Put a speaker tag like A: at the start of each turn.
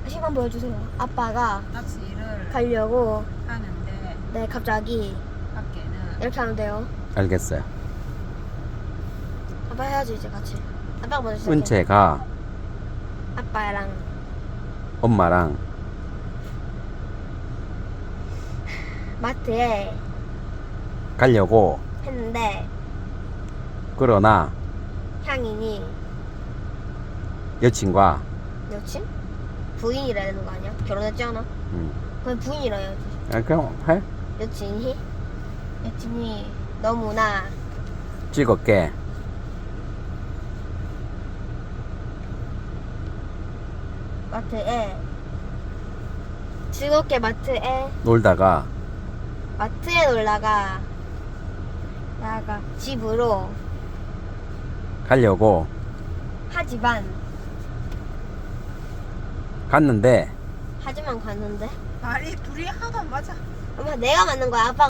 A: 시간 보여주세요. 아빠가
B: 낚시를
A: 가려고
B: 하는데
A: 네 갑자기
B: 밖에는
A: 이렇게 하면 돼요.
C: 알겠어요.
A: 아빠 해야지 이제 같이. 아빠가 먼저 시작해.
C: 은채가
A: 아빠랑
C: 엄마랑
A: 마트에
C: 가려고
A: 했는데
C: 그러나
A: 향인이
C: 여친과
A: 여친? 부인이라 해야 되는 거 아니야? 결혼했지 않아? 그럼 부인이라 해야지.
C: 그럼 해?
A: 여친이 너무나
C: 즐겁게
A: 마트에 즐겁게 마트에
C: 놀다가
A: 놀다가 나가 집으로
C: 가려고
A: 하지만
C: 갔는데
A: 갔는데
B: 말이 둘이 하나도 안 맞아.
A: 엄마 내가 맞는 거야. 아빠